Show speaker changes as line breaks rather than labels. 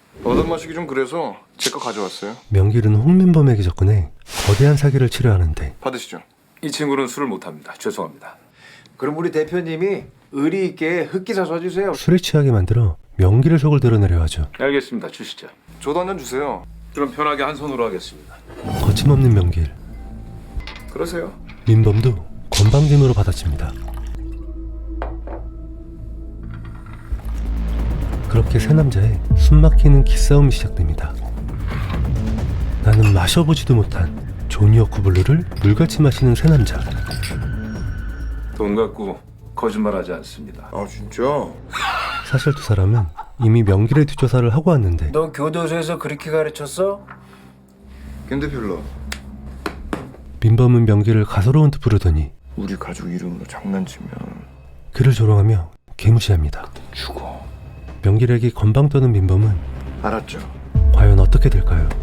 얻어 마시기 좀 그래서 제 거 가져왔어요.
명길은 홍민범에게 접근해 거대한 사기를 치려하는데
받으시죠.
이 친구는 술을 못합니다. 죄송합니다.
그럼 우리 대표님이 의리 있게 흑기사 써주세요.
술에 취하게 만들어 명길의 속을 드러내려 하죠.
알겠습니다. 주시죠.
저도 한 잔 주세요.
그럼 편하게 한 손으로 하겠습니다.
거침없는 명길,
그러세요.
민범도 건방짐으로 받아칩니다. 그렇게 세 남자의 숨막히는 기싸움이 시작됩니다. 나는 마셔보지도 못한 조니어쿠 블루를 물같이 마시는 세 남자.
돈 갖고 거짓말하지 않습니다.
아 진짜?
사실 두 사람은 이미 명길의 뒷조사를 하고 왔는데
너 교도소에서 그렇게 가르쳤어?
김 대표로
민범은 명길을 가소로운 듯 부르더니
우리 가족 이름으로 장난치면
그를 조롱하며 개무시합니다.
죽어.
명길에게 건방 떠는 민범은
알았죠?
과연 어떻게 될까요?